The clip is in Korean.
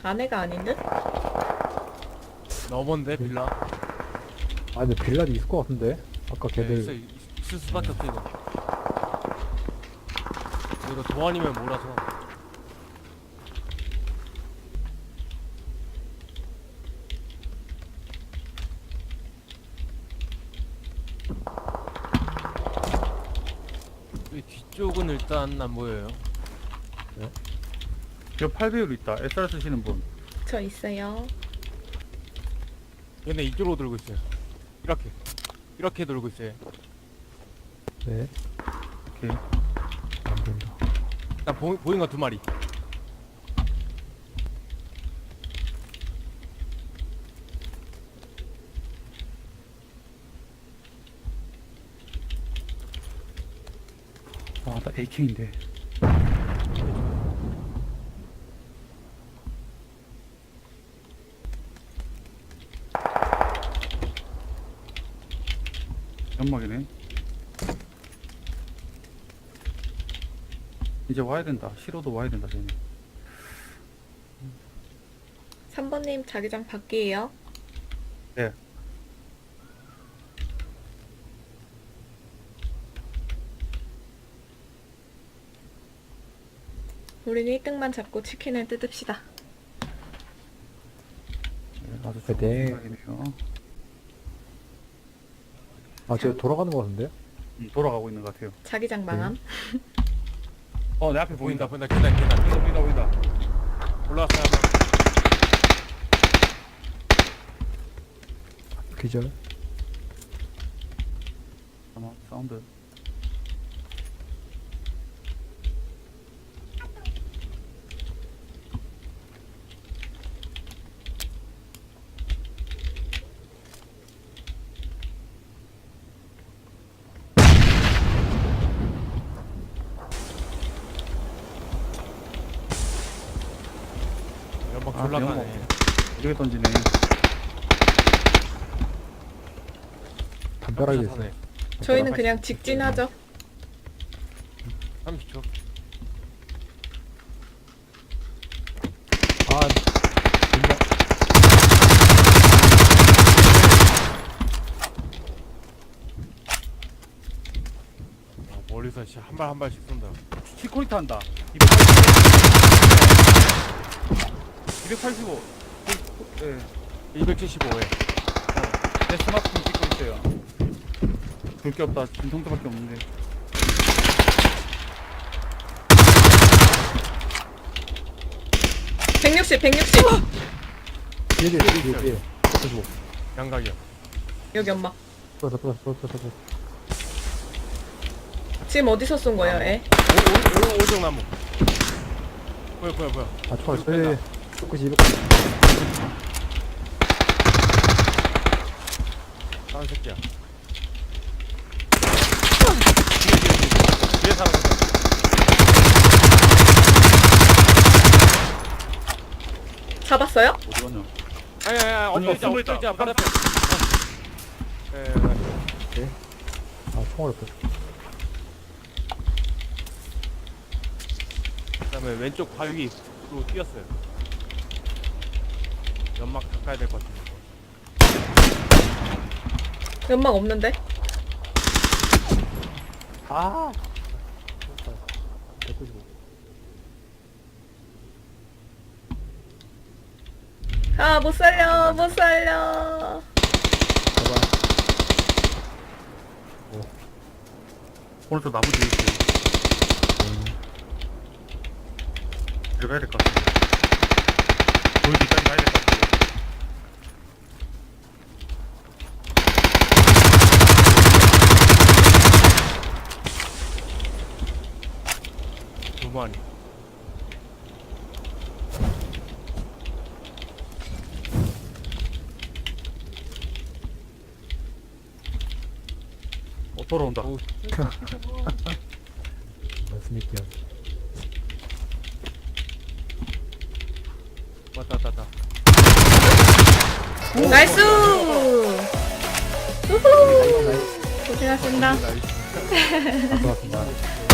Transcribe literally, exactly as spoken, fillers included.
안에가 아닌 듯? 너먼데 빌라. 아 근데 빌라도 있을 것 같은데 아까 네, 걔들 있어, 있- 있을 수밖에 없어 이거. 이거 도안이면 몰아서. 이 뒤쪽은 일단 안 보여요. 저 팔 배율 있다. 에스알 쓰시는 분. 저 있어요. 근데 이쪽으로 돌고 있어요. 이렇게 이렇게 돌고 있어요. 네 오케이. 안 된다. 일단 보, 보인 거 두 마리. 아, 나 에이케이인데. 연막이네. 이제 와야 된다. 시로도 와야 된다, 쟤네. 삼 번님 자기장 밖이에요. 네. 우리는 일 등만 잡고 치킨을 뜯읍시다. 네, 아주 네. 좋은 생각이네요. 아쟤 돌아가는 것 같은데? 음, 돌아가고 있는 것 같아요. 자기장 망함. 어, 내 앞에 보인다 보인다. 보인다 계단 계단 보인다, 보인다, 보인다. 올라왔어요 한 명. 기절. 잠깐만, 사운드. 연막 아, 졸라 연막. 가네. 이렇게 던지네. 담벼락에 있어. 사네. 저희는 그냥 직진하죠. 삼십 초. 아 진짜 아, 멀리서 진짜 한 발 한 발씩 쏜다. 시코리타 한다. 이백팔십오. 예. 이백칠십오에. 내 스마트폰 찍고 있어요. 볼 게 없다. 진통도밖에 없는데. 백육십, 백육십. 뒤에 뒤에 뒤에 뒤에 뒤에 양각이요. 여기 엄마. 쏘다 쏘다 쏘다 쏘다 쏘다. 지금 어디서 쏜 거예요, 애? 오, 오, 오, 오정나무. 보여 보여 보여. 아 총알 이거 쏘 뺀다. 이백구십 이백구십 다른 새끼야. 뒤에 뒤에 뒤에. 뒤에 사람 온다. 잡았어요? 어디 갔냐? 아니 아니 아니 엎드리자 숨어 있다. 엎드리자 바로 앞에. 예, 예, 예. 아 총알 없어. 그다음에 왼쪽 바위로 뛰었어요. 연막 닦아야 될 것 같은데. 연막 없는데? 아 백구십오. 아, 못 살려, 못 살려. 봐봐. 오른쪽 나무 뒤에 있어요. 들어가야 될 것 같아. 돌 뒤까지 가야 될 것 같아. 두 마리. 어, 돌아온다. 오, 맞습니까? 왔다 왔다 왔다. 나이스! 우후! 고생하셨습니다. 나이스. 아, 고맙습니다.